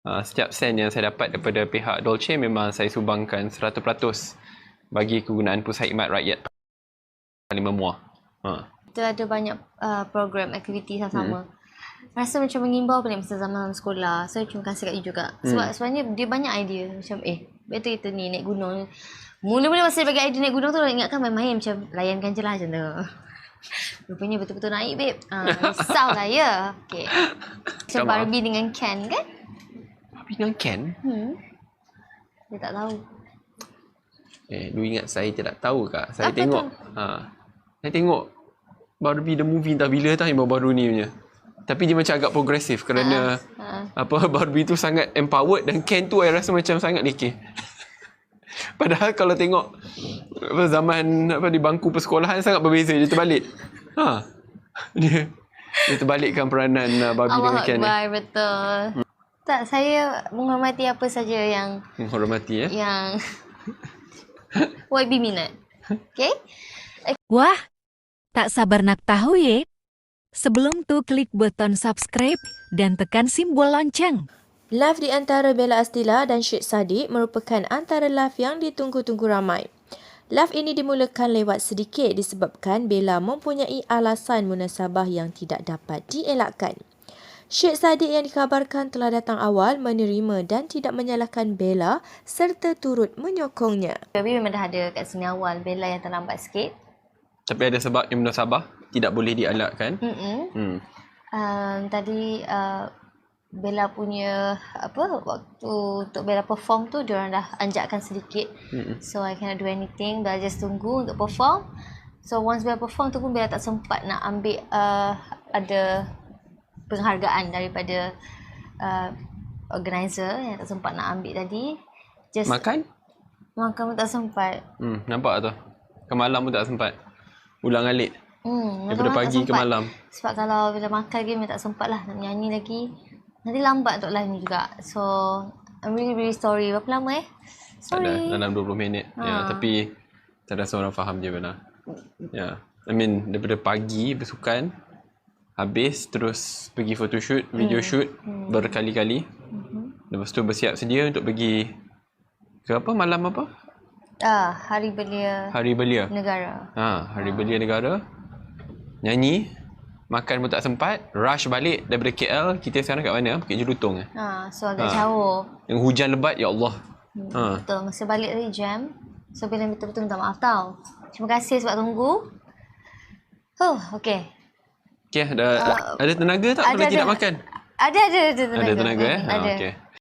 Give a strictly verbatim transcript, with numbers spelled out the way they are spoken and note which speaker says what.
Speaker 1: Uh, setiap sen yang saya dapat daripada pihak Dolce memang saya sumbangkan seratus peratus bagi kegunaan pusat khidmat rakyat paling memuah. Ha.
Speaker 2: Kita ada banyak uh, program, aktiviti sama-sama. Hmm. Rasa macam mengimbau balik masa zaman sekolah. So, terima kasih kat you juga. Sebab hmm. sebenarnya dia banyak idea. Macam, eh, better kita ni naik gunung. Mula-mula masa dia bagi idea naik gunung tu, ingatkan main-main. Macam, layankan je lah macam tu. Rupanya betul-betul naik, babe. Uh, risau lah, ya. Okay. Macam Barbie dengan Ken, kan?
Speaker 1: Barbie dengan Ken?
Speaker 2: Hmm. Dia tak tahu.
Speaker 1: Eh, lu ingat saya tidak tahu kak? Saya
Speaker 2: Apa
Speaker 1: tengok. Ha, saya tengok Barbie the movie entah bila tau yang baru-baru ni punya. Tapi dia macam agak progresif kerana uh, uh. apa Barbie tu sangat empowered dan Ken tu saya rasa macam sangat lekeh. Padahal kalau tengok apa, zaman apa di bangku persekolahan sangat berbeza, dia terbalik. Ha. Dia dia terbalikkan peranan uh, Barbie
Speaker 2: Allah
Speaker 1: dengan Ken.
Speaker 2: Allah, betul. Hmm. Tak, saya menghormati apa saja yang
Speaker 1: menghormati ya.
Speaker 2: Yang Y B minat. Okay?
Speaker 3: Wah, tak sabar nak tahu ya. Sebelum tu klik button subscribe dan tekan simbol lonceng.
Speaker 4: Live di antara Bella Astila dan Syed Saddiq merupakan antara live yang ditunggu-tunggu ramai. Live ini dimulakan lewat sedikit disebabkan Bella mempunyai alasan munasabah yang tidak dapat dielakkan. Syed Saddiq yang dikabarkan telah datang awal menerima dan tidak menyalahkan Bella serta turut menyokongnya.
Speaker 2: Tapi memang dah ada kat sini awal, Bella yang terlambat sikit. Tapi
Speaker 1: ada sebab yang munasabah tidak boleh dielakkan.
Speaker 2: Hmm. Um, tadi uh, Bella punya apa waktu untuk Bella perform tu diorang dah anjakkan sedikit. Mm-mm. So I cannot do anything. Bella just tunggu untuk perform. So once Bella perform tu pun Bella tak sempat nak ambil uh, ada penghargaan daripada uh, organizer yang tak sempat nak ambil tadi. Just
Speaker 1: makan?
Speaker 2: Makan pun tak sempat.
Speaker 1: Hmm, nampak tu. Ke malam pun tak sempat. Ulang alik.
Speaker 2: Hmm,
Speaker 1: daripada pagi ke malam.
Speaker 2: Sebab kalau bila makan lagi memang tak sempat lah nak nyanyi lagi. Nanti lambat untuk live ni juga. So I'm really really sorry. Berapa lama eh? Sorry.
Speaker 1: Ada, dalam dua puluh minit. Ha. Ya, tapi saya rasa orang faham je benar. Ya. I mean daripada pagi bersukan, habis terus pergi photoshoot, video hmm. shoot hmm. berkali-kali. Hmm. Lepas tu bersiap sedia untuk pergi ke apa malam apa?
Speaker 2: Ah, Hari Belia.
Speaker 1: Hari Belia
Speaker 2: Negara.
Speaker 1: Ha, Hari ha. Belia Negara. Nyanyi, makan pun tak sempat, rush balik daripada K L. Kita sekarang kat mana? Bukit Jelutong eh.
Speaker 2: Ha, so agak ha. jauh.
Speaker 1: Yang hujan lebat, ya Allah.
Speaker 2: Hmm, ha. Betul, masa balik tadi jam. So bila betul-betul minta maaf tau. Terima kasih sebab tunggu. Oh, okey.
Speaker 1: Okey, ada uh, ada tenaga tak kalau tidak makan?
Speaker 2: Ada ada ada tenaga.
Speaker 1: Ada tenaga eh?
Speaker 2: Ada.
Speaker 1: Ha, okey.